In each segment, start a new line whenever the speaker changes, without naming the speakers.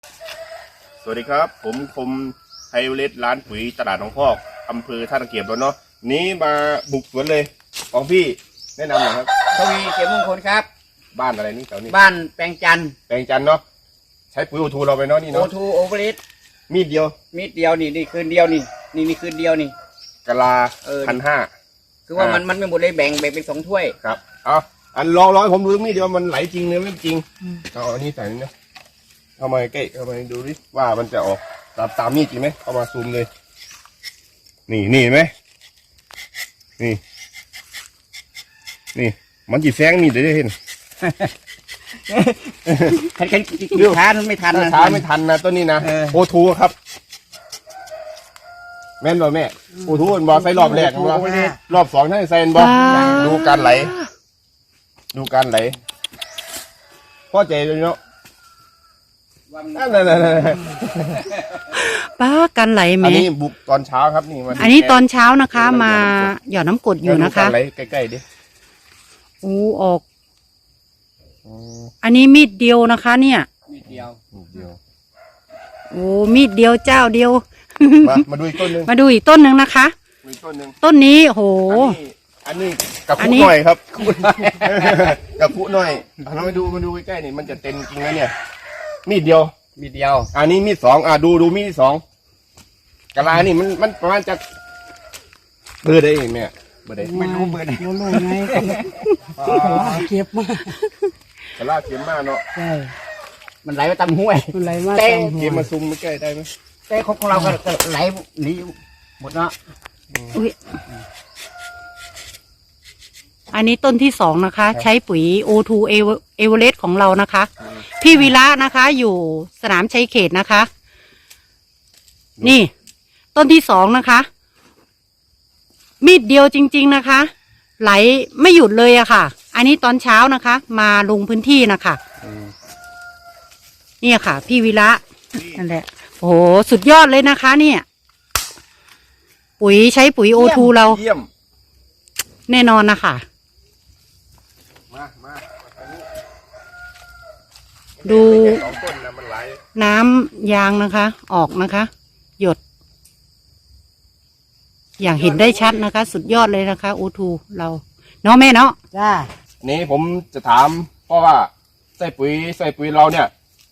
สวัสดีครับผมคมไฮเวเลสร้านปุ๋ยตลาดหนองพอกอำเภอท่าตะเกียบแล้วเนาะนี้มาบุกสวนเลยของพี่แนะนำหน่อยครับ
ทวีเขียวมงคลครับ
บ้านอะไรนี่แถวนี้
บ้านแปลงจันทร์
แปลงจันทร์เนาะใช้ปุ๋ยโอทูเราไปเนาะนี่
โอ
เนาะ
ทูโอเวอร์ลิส
มีดเดียว
มีดเดียวนี่คืนเดียวนี่คืนเดียวนี่
กะลา1,500
คือว่ามันไม่หมดเลยแบ่งเป็น2 ถ้วย
ครับเอาอันลองให้ผมดูมีดเดียวมันไหลจริงหรือไม่จริงเอาอันนี้ใส่นี่นะเข้ามาใกล้เข้ามาดูดิว่ามันจะออกตามมีดจริงไหมเข้ามาซูมเลยนี่เห็นไหมนี่มันจีแซงมีดได้เห็น
ช้าไม่ทันนะ
ช้าไม่ทันนะต้นนี้นะโอทูครับแม่นบ่แม่โอทูมันบอใส่รอบแรกรอบ2ท่านใส่บอดูการไหลพ่อใจเลยเนาะนั่น
ป้ากันไหลไหม
อันนี้บุกตอนเช้าครับนี่
อันนี้ตอนเช้านะคะมาหยอดน้ำกรดอยู่นะคะ
ไหลใกล้ๆดิ
ออกอันนี้มีดเดียวนะคะเนี่ย
มีดเดียว
มีดเดียวเจ้าเดียว
มาดูอีกต้นนึง
มาดูอีกต้นหนึ่งนะคะต้นนี้โห
อันนี้กับพุหน่อยครับกับพุหน่อยเรามาดูใกล้ๆนี่มันจะเต็มจริงนะเนี่ยมีดเดียวอันนี้มีด2ดูมีด2กะลานี่มันประมาณจะเบอร์ได้เนี่ยเบอร์ได้
ไม่รู้เบอร์ได้
รู้ไงเก็บมาก
กะลาเข็มมากเนาะ
ใช่
มันไหลมาตามห้วย
มันไหลมา
เข็มมาซุ่มไม่ใกล้ได้ไหม
แต่ของเราก็ไหลหนีหมดเนาะ
อันนี้ต้นที่2นะคะใช้ปุ๋ย O2 เอเวอเรสต์ของเรานะคะพี่วีระนะคะอยู่สนามชัยเขตนะคะนี่ต้นที่2นะคะมีดเดียวจริงๆนะคะไหลไม่หยุดเลยอะค่ะอันนี้ตอนเช้านะคะมาลงพื้นที่นะคะเนี่ยค่ะพี่วีระนั่นแหละโอ้โหสุดยอดเลยนะคะเนี่ยปุ๋ยใช้ปุ๋ย O2 เราแน่นอนนะคะดูน้ำยางนะคะออกนะคะหยดอย่างเห็นได้ชัดนะคะสุดยอดเลยนะคะโอทูเราเนาะแม่เนาะ
จ้า
นี่ผมจะถามเพราะว่าใส่ปุ๋ยเราเนี่ย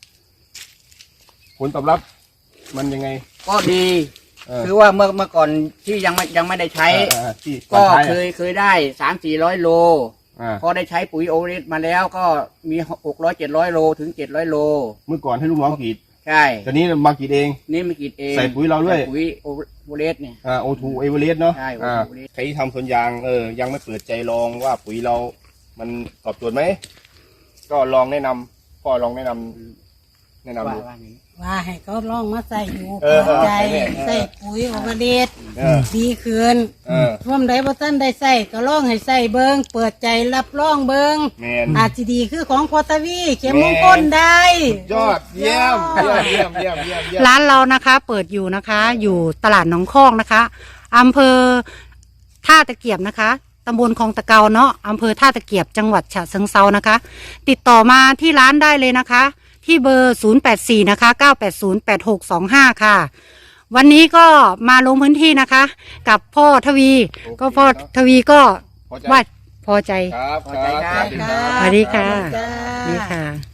ผลตอบรับมันยังไง
ก็ดีคือว่าเมื่อก่อนที่ยังไม่ได้ใช้ก็เคยได้300-400 โลพอได้ใช้ปุ๋ยโอเรสมาแล้วก็มี600-700 โลถึง700 โล
เมื่อก่อนให้ลูกน้องกรีด
ใช่
ตอนนี้มากรีดเอง
นี่มากรีดเอง
ใส่ปุ๋ยเราด้วย
ปุ๋ยโอเรสเนี่ย
โอทูเอเวอเรสต์เนาะ
ใช่
ใครที่ทำสวนยางยังไม่เปิดใจลองว่าปุ๋ยเรามันตอบโจทย์ไหมก็ลองแนะนำพ่อลองแนะนำดู
ว่าให้เขาลองมาใส่อยู่เปิดใจใส่ปุ๋ยโอเวอเรสต์ดีขึ้นร่วมใดบ่ท่านได้ใส่ก็ลองให้ใส่เบิงเปิดใจรับรองเบิงอาจจะดีคือของพอทวีเข็มมงคลได้
ยอดเยี่ยม
ร้านเรานะคะเปิดอยู่นะคะอยู่ตลาดหนองคอกนะคะอำเภอท่าตะเกียบนะคะตำบลคลองตะเกาเนาะอำเภอท่าตะเกียบจังหวัดฉะเชิงเทรานะคะติดต่อมาที่ร้านได้เลยนะคะที่เบอร์084นะคะ9808625ค่ะวันนี้ก็มาลงพื้นที่นะคะกับพ่อทวีก็พ่อทวีก็ว่าพอใจ
ครับ
สวัสดีค่ะ